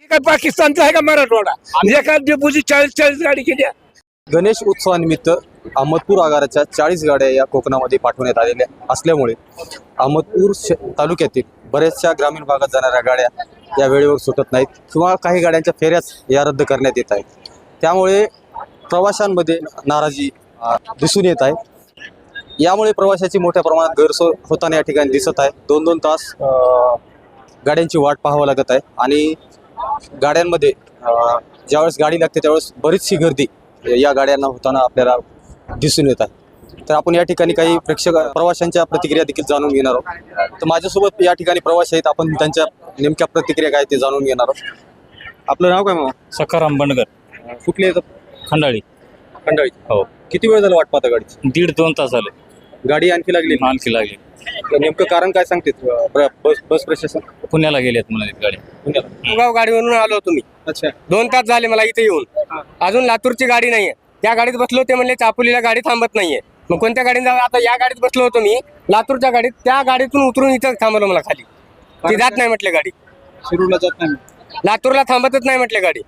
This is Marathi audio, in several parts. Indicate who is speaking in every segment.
Speaker 1: काय पाकिस्तानचा आहे का मराठवाडा? एका डेपोची 40 गाडी केल्या.
Speaker 2: गणेश उत्सवानिमित्त अहमदपूर आगाराच्या 40 गाड्या या कोकणामध्ये पाठवण्यात आलेल्या असल्यामुळे अहमदपूर तालुक्यातील बऱ्याचशा ग्रामीण भागात जाणाऱ्या गाड्या या वेळेवर सुटत नाहीत किंवा काही गाड्यांच्या फेऱ्याच या रद्द करण्यात येत आहेत. त्यामुळे प्रवाशांमध्ये नाराजी दिसून येत आहे. यामुळे प्रवाशाची मोठ्या प्रमाणात गैरसोय होताना या ठिकाणी दिसत आहे. 2-2 तास गाड्यांची वाट पाहावं लागत आहे आणि गाड्यांमध्ये ज्यावेळेस गाडी लागते त्यावेळेस बरीचशी गर्दी या गाड्यांना होताना आपल्याला दिसून येत आहे. तर आपण या ठिकाणी काही प्रवाशांच्या प्रतिक्रिया देखील जाणून घेणार आहोत. तर माझ्यासोबत या ठिकाणी प्रवासी आहेत, आपण त्यांच्या नेमक्या प्रतिक्रिया काय ते जाणून घेणार आहोत. आपलं नाव काय मग?
Speaker 3: सखाराम बंडगर.
Speaker 2: कुठले येतात?
Speaker 3: खंडाळी.
Speaker 2: खंडाळी.
Speaker 3: हो.
Speaker 2: किती वेळ झाला वाट पाहता गाडीची?
Speaker 3: 1.5-2 तास झाले.
Speaker 2: गाडी आणखी लागली?
Speaker 3: आणखी लागली.
Speaker 2: नेमकं कारण काय सांगते बस प्रशासन?
Speaker 3: पुण्याला गेलेत म्हणाले गाडी.
Speaker 4: गाव गाडीवरून आलो तुम्ही.
Speaker 2: अच्छा.
Speaker 4: 2 तास झाले मला इथे येऊन. अजून लातूरची गाडी नाहीये. त्या गाडीत बसलो, ते म्हणले चापोलीला गाडी थांबत नाहीये. मग कोणत्या गाडीत जाऊ? आता या गाडीत बसलो होतो मी, लातूरच्या गाडीत. त्या गाडीतून उतरून इथं थांबवलं मला खाली. ती जात नाही म्हटले गाडी.
Speaker 2: शिरूरला जात नाही,
Speaker 4: लातूरला थांबतच नाही म्हटले गाडी.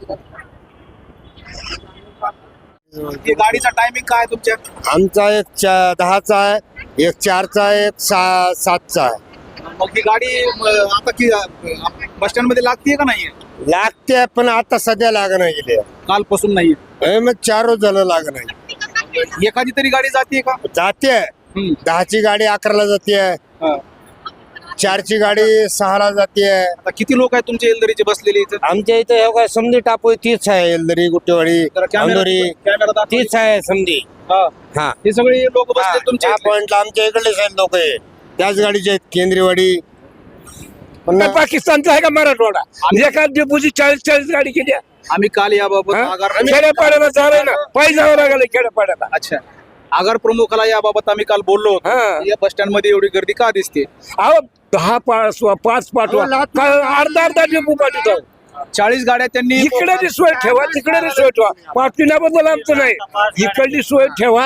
Speaker 2: गाडीचा टायमिंग काय तुमच्या?
Speaker 5: आमचा एक 10चा आहे, एक 4चा आहे, एक 7चा आहे.
Speaker 2: मग ही गाडी आता की बस स्टँड मध्ये लागते का नाही?
Speaker 5: लागते पण आता सध्या लागणं गेले.
Speaker 2: कालपासून नाही.
Speaker 5: मग 4 रोज झालं लागणं.
Speaker 2: एखादी तरी गाडी जाते का?
Speaker 5: जाते. 10ची गाडी 11ला जाते, 4ची गाडी 6ला जाते.
Speaker 2: आता किती लोक आहेत तुमच्या एलदरीचे बसलेले इथं?
Speaker 5: आमच्या इथे हे काय समधी टापू तीच आहे, एलदरी गुट्टेवाडी अंधोरी तीच आहे समधी. हा,
Speaker 2: हे सगळे लोक बसले तुमच्या
Speaker 5: त्या पॉइंटला आमच्या इकडलेच आहेत लोक, त्याच गाडीचे आहेत. केंद्रीवाडी.
Speaker 1: काय पाकिस्तानचा आहे का मराठवाडा? एका डेपोची 40 गाडी केल्या.
Speaker 2: आम्ही काल याबाबत
Speaker 1: खेड्यापाड्याला झालंय ना, पायी जावं लागलं खेड्यापाड्याला.
Speaker 2: अच्छा. आगार प्रमुखाला याबाबत आम्ही काल बोललो होतो. या बस स्टँड मध्ये एवढी गर्दी का दिसते?
Speaker 1: अहो 10 5 पाठवा, अर्धा डेपो पाठवतो.
Speaker 2: 40 गाड्या त्यांनी
Speaker 1: इकडे बी सोय ठेवा, तिकडे बी सोय ठेवा. पाठविण्याबद्दल आमचं नाही, इकडली सोय ठेवा.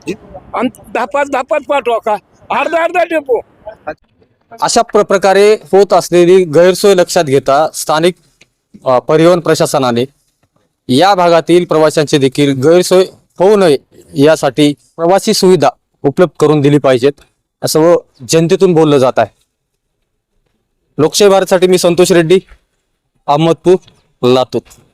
Speaker 1: 10-5 पाठवा का, अर्धा डेपो.
Speaker 2: अशा प्रकारे होत असलेली गैरसोय लक्षात घेता स्थानिक परिवहन प्रशासनाने या भागातील प्रवाशांची देखील गैरसोय होऊ नये यासाठी प्रवासी सुविधा उपलब्ध करून दिली पाहिजेत असं जनतेतून बोललं जात आहे. लोकशाही भारतसाठी मी संतोष रेड्डी, अहमदपूर, लातूर.